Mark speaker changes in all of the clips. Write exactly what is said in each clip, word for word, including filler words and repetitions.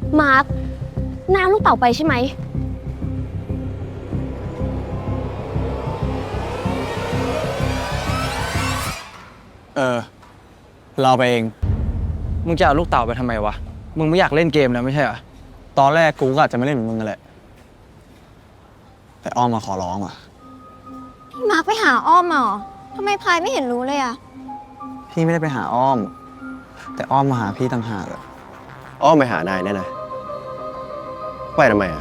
Speaker 1: มาร์คน้าลูกเต๋าไปใช่ไหม
Speaker 2: เออเราไปเองมึงจะเอาลูกเต่าไปทำไมวะมึงไม่อยากเล่นเกมแล้วไม่ใช่เหรอตอนแรกกูก็อาจจะไม่เล่นเหมือนมึงนั่นแหละแต่อ้อมมาขอร้องอ่ะ
Speaker 3: พี่มาร์คไปหาอ้อมมาเหรอทำไมพายไม่เห็นรู้เลยอะ
Speaker 2: พี่ไม่ได้ไปหาอ้อมแต่อ้อมมาหาพี่ต่างหากอะ
Speaker 4: อ้อมไปหานายแน่นะไปทำไมอ่ะ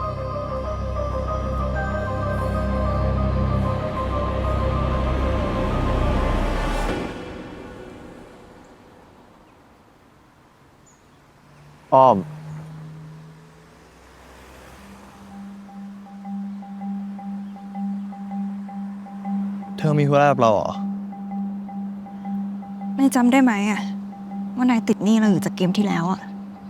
Speaker 4: อ้อม
Speaker 2: เธอมีธุระกับเราเหรอ
Speaker 5: นายจำได้ไหมอะว่านายติดหนี้เราอยู่จากเกมที่แล้วอะ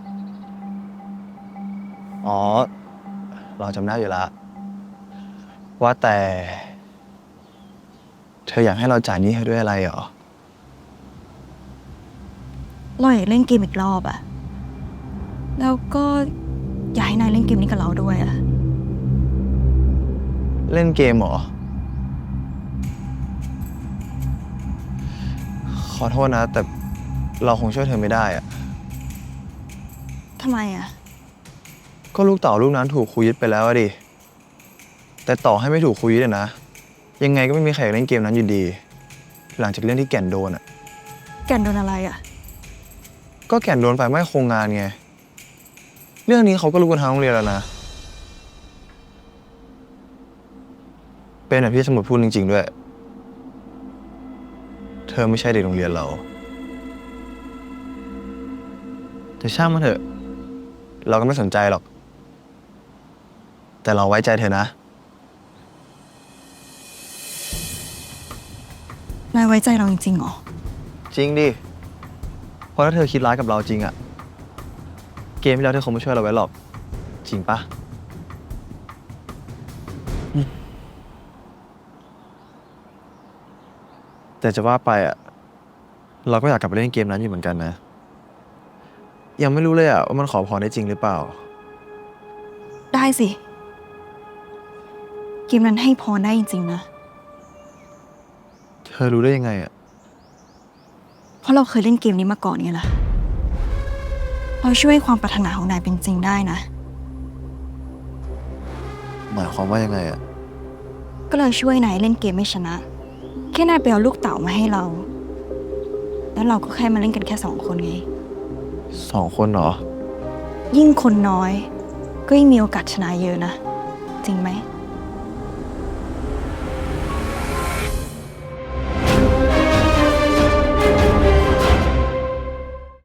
Speaker 2: อ๋อเราจำได้อยู่แล้วว่าแต่เธออยากให้เราจ่ายหนี้ให้ด้วยอะไรเหรอ
Speaker 5: เราอยากเล่นเกมอีกรอบอะแล้วก็อยากให้นายเล่นเกมนี้กับเราด้วยอะ
Speaker 2: เล่นเกมเหรอขอโทษนะแต่เราคงช่วยเธอไม่ได้อะ
Speaker 5: ทำไมอะ
Speaker 2: ก็ลูกเต่าลูกนั้นถูกครูยึดไปแล้วอะดิแต่ต่อให้ไม่ถูกครูยึดอะนะยังไงก็ไม่มีใครอยากเล่นเกมนั้นอยู่ดี หลังจากเรื่องที่แก่นโดนอะ
Speaker 5: แกนโดนอะไรอะ
Speaker 2: ก็แก่นโดนไฟไหม้โครงงานไงเรื่องนี้เขาก็รู้กันทั้งโรงเรียนแล้วนะเป็นแบบที่สมุดพูดจริงๆด้วยเธอไม่ใช่เด็กโรงเรียนเราแต่ช่างมันเถอะเราก็ไม่สนใจหรอกแต่เราไว้ใจเธอนะ
Speaker 5: นายไว้ใจเราจริงๆเหรอ
Speaker 2: จริงดิเพราะถ้าเธอคิดร้ายกับเราจริงอะเกมที่แล้วเธอคงไม่ช่วยเราไว้หรอกจริงปะอืมแต่จะว่าไปอะเราก็อยากกลับไปเล่นเกมนั้นอยู่เหมือนกันนะยังไม่รู้เลยอะว่ามันขอพรได้จริงหรือเปล่า
Speaker 5: ได้สิ เกมนั้นให้พรได้จริงๆนะ
Speaker 2: เธอรู้ได้ยังไงอะ
Speaker 5: เพราะเราเคยเล่นเกมนี้มาก่อนไงล่ะ เราช่วยให้ความปรารถนาของนายเป็นจริงได้นะ
Speaker 2: หมายความว่ายังไงอะ
Speaker 5: ก็เลยช่วยนายเล่นเกมไม่ชนะ แค่นายไปเอาลูกเต๋ามาให้เรา แล้วเราก็แค่มาเล่นกันแค่สองคนไง
Speaker 2: สองคนเหรอ
Speaker 5: ยิ่งคนน้อย ก็ยิ่งมีโอกาสชนะเยอะนะ จริงไหม